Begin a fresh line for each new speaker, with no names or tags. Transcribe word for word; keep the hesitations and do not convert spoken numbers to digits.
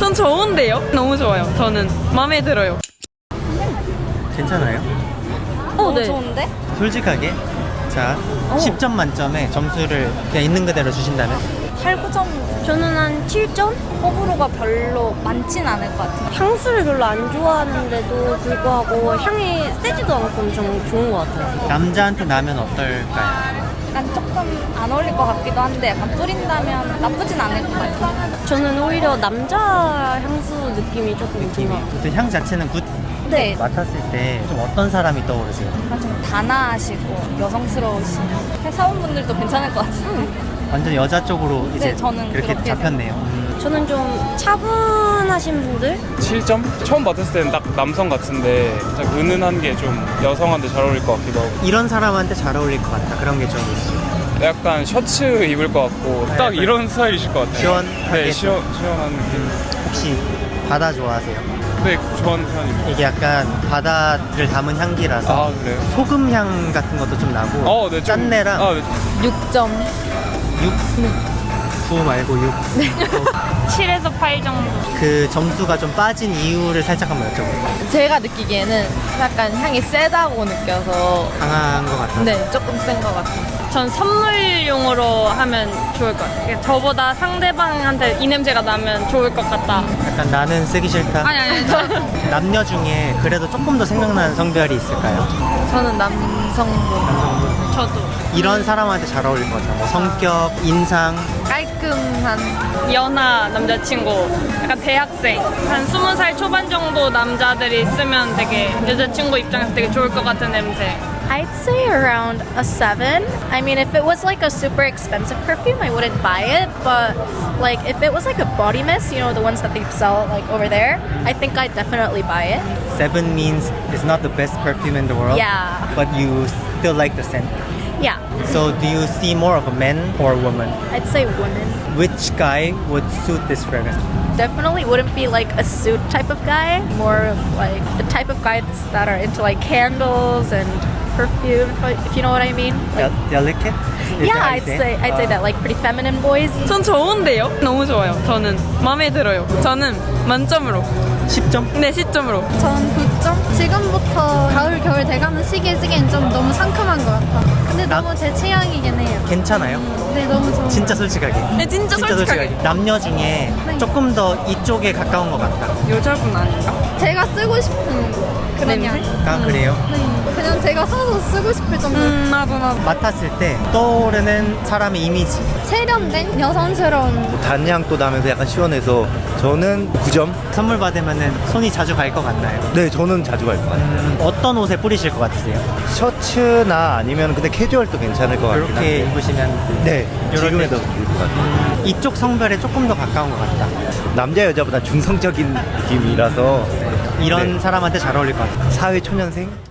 전 좋은데요? 너무 좋아요. 저는 마음에 들어요.
괜찮아요?
어, 네.
좋은데?
솔직하게 자 십 점 만점에 점수를 그냥 있는 그대로 주신다면?
팔, 구 점.
저는 한 칠 점?
호불호가 별로 많진 않을 것 같아요.
향수를 별로 안 좋아하는데도 불구하고 향이 세지도 않고 엄청 좋은 것 같아요.
남자한테 나면 어떨까요?
약간 조금 안 어울릴 것 같기도 한데 약간 뿌린다면 나쁘진 않을 것 같아요.
저는 오히려 남자 향수 느낌이 조금
느낌이
좋아.
아무튼 향 자체는 굿.
네.
맡았을 때 좀 어떤 사람이 떠오르세요?
약간 좀 단아하시고 여성스러우신 회사원분들도 괜찮을 것 같은데.
완전 여자 쪽으로 이제
네, 저는
그렇게
그렇게
잡혔네요. 음.
저는 좀 차분하신 분들?
칠 점? 처음 맡았을 때는 딱 남성 같은데 딱 은은한 게 좀 여성한테 잘 어울릴 것 같기도 하고
이런 사람한테 잘 어울릴 것 같다 그런 게 좀 있어요.
약간 셔츠 입을 것 같고 딱
약간
이런 스타일이실 것 같아요.
시원하게
네, 시원, 시원한 느낌.
혹시 바다 좋아하세요?
네, 좋아하는 편입니다.
이게 약간 바다를 담은 향기라서
아, 그래요?
소금 향 같은 것도 좀 나고
어, 네, 좀-
짠내랑
아, 네.
육 점.
육, 구 말고 육.
칠에서 팔 정도.
그 점수가 좀 빠진 이유를 살짝 한번 여쭤볼게요.
제가 느끼기에는 약간 향이 세다고 느껴서
강한 것 같아서.
네, 조금 센 것 같아요.
전 선물용으로 하면 좋을 것 같아요. 저보다 상대방한테 이 냄새가 나면 좋을 것 같다.
약간 나는 쓰기 싫다.
아니 아니 저
남녀 중에 그래도 조금 더 생각나는 성별이 있을까요?
저는 남성분.
남성분.
저도
이런 사람한테 잘 어울릴 것 같아요. 뭐 성격, 인상.
깔끔한.
연하 남자친구, 약간 대학생 한 스무 살 초반 정도 남자들이 쓰면 되게 여자친구 입장에서 되게 좋을 것 같은 냄새.
I'd say around a seven. I mean, if it was like a super expensive perfume, I wouldn't buy it. But like, if it was like a body mist, you know, the ones that they sell like over there, I think I'd definitely buy it.
Seven means it's not the best perfume in the world.
Yeah.
But you still like the scent.
Yeah,
So do you see more of a man or a woman?
I'd say women.
Which guy would suit this fragrance?
Definitely wouldn't be like a suit type of guy. More like the type of guys that are into like candles and perfume, if, I, if you know what I mean. Like,
De- delicate? Is
yeah,
that how you
I'd say I'd say that like pretty feminine boys.
전 좋은데요? 너무 좋아요. 저는 마음에 들어요. 저는 만점으로.
십 점?
네, 십 점으로.
전 구 점? 지금부터 가을, 겨울 돼가는 시기에 쓰기엔 좀 너무 상큼한 것 같아. 근데
나-
너무 제 취향이긴 해요.
괜찮아요?
네, 너무 좋은
진짜 솔직하게.
네, 진짜 솔직하게.
남녀 중에
네.
조금 더 이쪽에 가까운 것 같다.
여자분 아닌가?
제가 쓰고 싶은 그런 향.
아, 그래요?
네. 그냥 제가 사서 쓰고 싶을 정도.
음, 나도 나도.
맡았을 때 떠오르는 사람의 이미지.
세련된 여성스러운.
단향도 나면서 약간 시원해서 저는 구 점?
선물 받으면 손이 자주 갈 것 같나요?
네, 저는 자주 갈 것 같아요.
음, 어떤 옷에 뿌리실 것 같으세요?
셔츠나 아니면 근데 캐주얼도 괜찮을 것 같긴
이렇게
한데.
입으시면
네,
요럴
지금에도
때.
좋을 것 같아요.
이쪽 성별에 조금 더 가까운 것 같다.
남자 여자보다 중성적인 느낌이라서
이런
네.
사람한테 잘 어울릴 것 같아요.
사회 초년생?